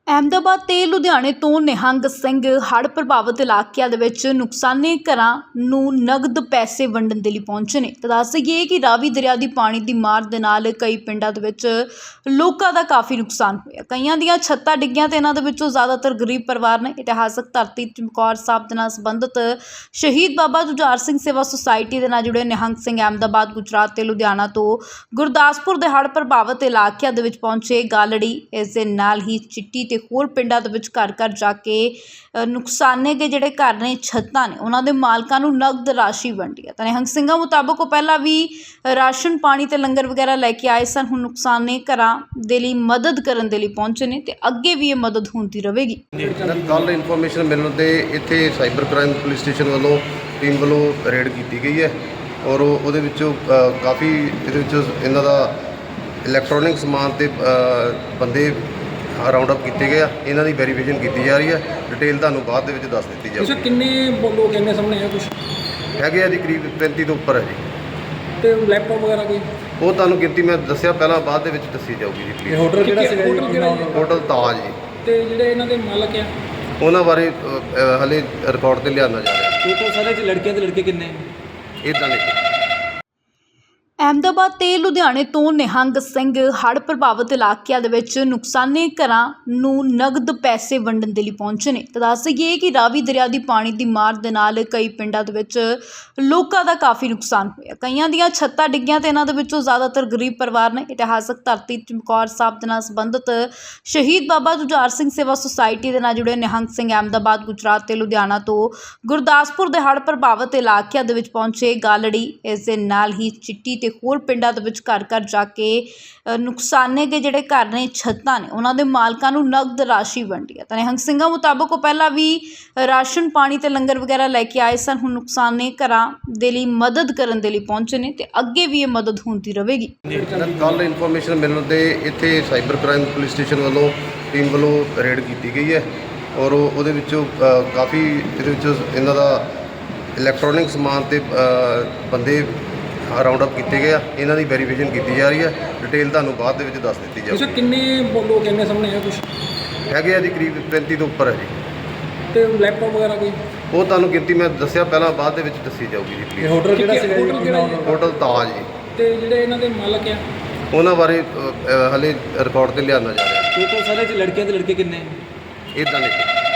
ਅਹਿਮਦਾਬਾਦ ਤੇ ਲੁਧਿਆਣੇ ਤੋਂ ਨਿਹੰਗ ਸਿੰਘ ਹੜ੍ਹ ਪ੍ਰਭਾਵਿਤ ਇਲਾਕਿਆਂ ਦੇ ਵਿੱਚ ਨੁਕਸਾਨੇ ਘਰਾਂ ਨੂੰ ਨਗਦ ਪੈਸੇ ਵੰਡਣ ਦੇ ਲਈ ਪਹੁੰਚੇ ਨੇ। ਤਾਂ ਦੱਸ ਦੇਈਏ ਕਿ ਰਾਵੀ ਦਰਿਆ ਦੀ ਪਾਣੀ ਦੀ ਮਾਰ ਦੇ ਨਾਲ ਕਈ ਪਿੰਡਾਂ ਦੇ ਵਿੱਚ ਲੋਕਾਂ ਦਾ ਕਾਫੀ ਨੁਕਸਾਨ ਹੋਇਆ। ਕਈਆਂ ਦੀਆਂ ਛੱਤਾਂ ਡਿੱਗੀਆਂ ਤੇ ਇਹਨਾਂ ਦੇ ਵਿੱਚੋਂ ਜ਼ਿਆਦਾਤਰ ਗਰੀਬ ਪਰਿਵਾਰ ਨੇ। ਇਤਿਹਾਸਕ ਧਰਤੀ ਚਮਕੌਰ ਸਾਹਿਬ ਦੇ ਨਾਲ ਸੰਬੰਧਿਤ ਸ਼ਹੀਦ ਬਾਬਾ ਜੁਝਾਰ ਸਿੰਘ ਸੇਵਾ ਸੁਸਾਇਟੀ ਦੇ ਨਾਲ ਜੁੜੇ ਨਿਹੰਗ ਸਿੰਘ ਅਹਿਮਦਾਬਾਦ, ਗੁਜਰਾਤ ਤੇ ਲੁਧਿਆਣਾ ਤੋਂ ਗੁਰਦਾਸਪੁਰ ਦੇ ਹੜ੍ਹ ਪ੍ਰਭਾਵਿਤ ਇਲਾਕਿਆਂ ਦੇ ਵਿੱਚ ਪਹੁੰਚੇ। ਗਾਲੜੀ ਇਸ ਦੇ ਨਾਲ ਹੀ ਚਿੱਟੀ ਤੇ ਹੋਰ ਪਿੰਡਾਂ ਦੇ ਵਿੱਚ ਘਰ ਘਰ ਜਾ ਕੇ ਨੁਕਸਾਨੇ ਦੇ ਜਿਹੜੇ ਘਰ ਨੇ, ਛੱਤਾਂ ਨੇ, ਉਹਨਾਂ ਦੇ ਮਾਲਕਾਂ ਨੂੰ ਨਗਦ ਰਾਸ਼ੀ ਵੰਡੀ ਹੈ। ਤਾਂ ਨਿਹੰਗ ਸਿੰਘਾਂ ਮੁਤਾਬਕ ਉਹ ਪਹਿਲਾਂ ਵੀ ਰਾਸ਼ਨ ਪਾਣੀ ਤੇ ਲੰਗਰ ਵਗੈਰਾ ਲੈ ਕੇ ਆਏ ਸਨ। ਹੁਣ ਨੁਕਸਾਨੇ ਘਰਾਂ ਦੇ ਲਈ ਮਦਦ ਕਰਨ ਦੇ ਲਈ ਪਹੁੰਚੇ ਨੇ ਤੇ ਅੱਗੇ ਵੀ ਇਹ ਮਦਦ ਹੁੰਦੀ ਰਹੇਗੀ। ਕੱਲ੍ਹ ਇਨਫੋਰਮੇਸ਼ਨ ਮਿਲਣ ਤੇ ਇੱਥੇ ਸਾਈਬਰ ਕ੍ਰਾਈਮ ਪੁਲਿਸ ਸਟੇਸ਼ਨ ਵੱਲੋਂ ਟੀਮ ਵੱਲੋਂ ਰੇਡ ਕੀਤੀ ਗਈ ਹੈ ਔਰ ਉਹਦੇ ਵਿੱਚੋਂ ਕਾਫੀ ਇਹਦੇ ਵਿੱਚ ਇਹਨਾਂ ਦਾ ਇਲੈਕਟ੍ਰੋਨਿਕ ਸਮਾਨ ਤੇ ਬੰਦੇ ਰਾਉਂਡ ਅਪ ਕੀਤੇ ਗਏ ਆ। ਇਹਨਾਂ ਦੀ ਵੈਰੀਫਿਕੇਸ਼ਨ ਕੀਤੀ ਜਾ ਰਹੀ ਹੈ। ਡਿਟੇਲ ਤੁਹਾਨੂੰ ਬਾਅਦ ਦੇ ਵਿੱਚ ਦੱਸ ਦਿੱਤੀ ਜਾਊਗੀ। ਅੱਛਾ, ਕਿੰਨੇ ਲੋਕ ਇੰਨੇ ਸਾਹਮਣੇ ਆ? ਕੁਝ ਹੈਗੇ ਆ ਜੀ, ਕਰੀਬ 35 ਤੋਂ ਉੱਪਰ ਹੈ ਜੀ। ਤੇ ਲੈਪਟਾਪ ਵਗੈਰਾ ਕੋਈ? ਉਹ ਤੁਹਾਨੂੰ ਗਿਣਤੀ ਮੈਂ ਦੱਸਿਆ ਪਹਿਲਾਂ, ਬਾਅਦ ਦੇ ਵਿੱਚ ਦੱਸੀ ਜਾਊਗੀ ਜੀ ਪਲੀਜ਼। ਹੋਟਲ ਕਿਹੜਾ ਸੀਗਾ? ਹੋਟਲ ਤਾਜ ਜੀ। ਤੇ ਜਿਹੜੇ ਇਹਨਾਂ ਦੇ ਮਾਲਕ ਆ ਉਹਨਾਂ ਬਾਰੇ ਹਲੇ ਰਿਕਾਰਡ ਤੇ ਲਿਆਉਣਾ ਜਾ ਰਿਹਾ। ਟੋਟਲ ਸਾਰੇ ਚ ਲੜਕੀਆਂ ਤੇ ਲੜਕੇ ਕਿੰਨੇ? ਇੱਦਾਂ ਨਹੀਂ। ਅਹਿਮਦਾਬਾਦ ਤੇ ਲੁਧਿਆਣੇ ਤੋਂ ਨਿਹੰਗ ਸਿੰਘ ਹੜ੍ਹ ਪ੍ਰਭਾਵਿਤ ਇਲਾਕਿਆਂ ਦੇ ਵਿੱਚ ਨੁਕਸਾਨੇ ਘਰਾਂ ਨੂੰ ਨਗਦ ਪੈਸੇ ਵੰਡਣ ਦੇ ਲਈ ਪਹੁੰਚੇ ਨੇ। ਤਾਂ ਦੱਸ ਦੇਈਏ ਕਿ ਰਾਵੀ ਦਰਿਆ ਦੀ ਪਾਣੀ ਦੀ ਮਾਰ ਦੇ ਨਾਲ ਕਈ ਪਿੰਡਾਂ ਦੇ ਵਿੱਚ ਲੋਕਾਂ ਦਾ ਕਾਫੀ ਨੁਕਸਾਨ ਹੋਇਆ। ਕਈਆਂ ਦੀਆਂ ਛੱਤਾਂ ਡਿੱਗੀਆਂ ਤੇ ਇਹਨਾਂ ਦੇ ਵਿੱਚੋਂ ਜ਼ਿਆਦਾਤਰ ਗਰੀਬ ਪਰਿਵਾਰ ਨੇ। ਇਤਿਹਾਸਕ ਧਰਤੀ ਚਮਕੌਰ ਸਾਹਿਬ ਦੇ ਨਾਲ ਸੰਬੰਧਿਤ ਸ਼ਹੀਦ ਬਾਬਾ ਜੁਝਾਰ ਸਿੰਘ ਸੇਵਾ ਸੁਸਾਇਟੀ ਦੇ ਨਾਲ ਜੁੜੇ ਨਿਹੰਗ ਸਿੰਘ ਅਹਿਮਦਾਬਾਦ, ਗੁਜਰਾਤ ਤੇ ਲੁਧਿਆਣਾ ਤੋਂ ਗੁਰਦਾਸਪੁਰ ਦੇ ਹੜ੍ਹ ਪ੍ਰਭਾਵਿਤ ਇਲਾਕਿਆਂ ਦੇ ਵਿੱਚ ਪਹੁੰਚੇ। ਗਾਲੜੀ ਇਸ ਦੇ ਨਾਲ ਹੀ ਚਿੱਟੀ ਤੇ ਹੋਰ ਪਿੰਡਾਂ ਦੇ ਵਿੱਚ ਘਰ ਘਰ ਜਾ ਕੇ ਨੁਕਸਾਨੇ ਦੇ ਜਿਹੜੇ ਘਰ ਨੇ, ਛੱਤਾਂ ਨੇ, ਉਹਨਾਂ ਦੇ ਮਾਲਕਾਂ ਨੂੰ ਨਗਦ ਰਾਸ਼ੀ ਵੰਡੀ ਹੈ। ਤਾਂ ਨਿਹੰਗ ਸਿੰਘਾਂ ਮੁਤਾਬਕ ਉਹ ਪਹਿਲਾਂ ਵੀ ਰਾਸ਼ਨ ਪਾਣੀ ਤੇ ਲੰਗਰ ਵਗੈਰਾ ਲੈ ਕੇ ਆਏ ਸਨ। ਹੁਣ ਨੁਕਸਾਨੇ ਘਰਾਂ ਦੇ ਲਈ ਮਦਦ ਕਰਨ ਦੇ ਲਈ ਪਹੁੰਚੇ ਨੇ ਤੇ ਅੱਗੇ ਵੀ ਇਹ ਮਦਦ ਹੁੰਦੀ ਰਹੇਗੀ। ਕੱਲ੍ਹ ਇਨਫੋਰਮੇਸ਼ਨ ਮਿਲਣ ਤੇ ਇੱਥੇ ਸਾਈਬਰ ਕ੍ਰਾਈਮ ਪੁਲਿਸ ਸਟੇਸ਼ਨ ਵੱਲੋਂ ਟੀਮ ਵੱਲੋਂ ਰੇਡ ਕੀਤੀ ਗਈ ਹੈ ਔਰ ਉਹਦੇ ਵਿੱਚੋਂ ਕਾਫੀ ਇਹਦੇ ਵਿੱਚ ਇਹਨਾਂ ਦਾ ਇਲੈਕਟ੍ਰੋਨਿਕ ਸਮਾਨ ਤੇ ਬੰਦੇ ਰਾਉਂਡ ਅਪ ਕੀਤੇ ਗਏ ਆ। ਇਹਨਾਂ ਦੀ ਵੈਰੀਫਿਕੇਸ਼ਨ ਕੀਤੀ ਜਾ ਰਹੀ ਹੈ। ਡਿਟੇਲ ਤੁਹਾਨੂੰ ਬਾਅਦ ਦੇ ਵਿੱਚ ਦੱਸ ਦਿੱਤੀ ਜਾਊਗੀ। ਅੱਛਾ, ਕਿੰਨੇ ਲੋਕ ਇੰਨੇ ਸਾਹਮਣੇ ਆ? ਕੁਝ ਹੈਗੇ ਆ ਜੀ, ਕਰੀਬ 35 ਤੋਂ ਉੱਪਰ ਹੈ ਜੀ। ਤੇ ਲੈਪਟਾਪ ਵਗੈਰਾ ਕੋਈ? ਉਹ ਤੁਹਾਨੂੰ ਗਿਣਤੀ ਮੈਂ ਦੱਸਿਆ ਪਹਿਲਾਂ, ਬਾਅਦ ਦੇ ਵਿੱਚ ਦੱਸੀ ਜਾਊਗੀ ਜੀ ਪਲੀਜ਼। ਹੋਟਲ ਕਿਹੜਾ ਸੀਗਾ? ਹੋਟਲ ਤਾਜ ਜੀ। ਤੇ ਜਿਹੜੇ ਇਹਨਾਂ ਦੇ ਮਾਲਕ ਆ ਉਹਨਾਂ ਬਾਰੇ ਹਲੇ ਰਿਕਾਰਡ ਤੇ ਲਿਆਉਣਾ ਜਾ ਰਿਹਾ। ਟੋਟਲ ਸਾਰੇ ਚ ਲੜਕੀਆਂ ਤੇ ਲੜਕੇ ਕਿੰਨੇ? ਇੱਦਾਂ ਨਹੀਂ।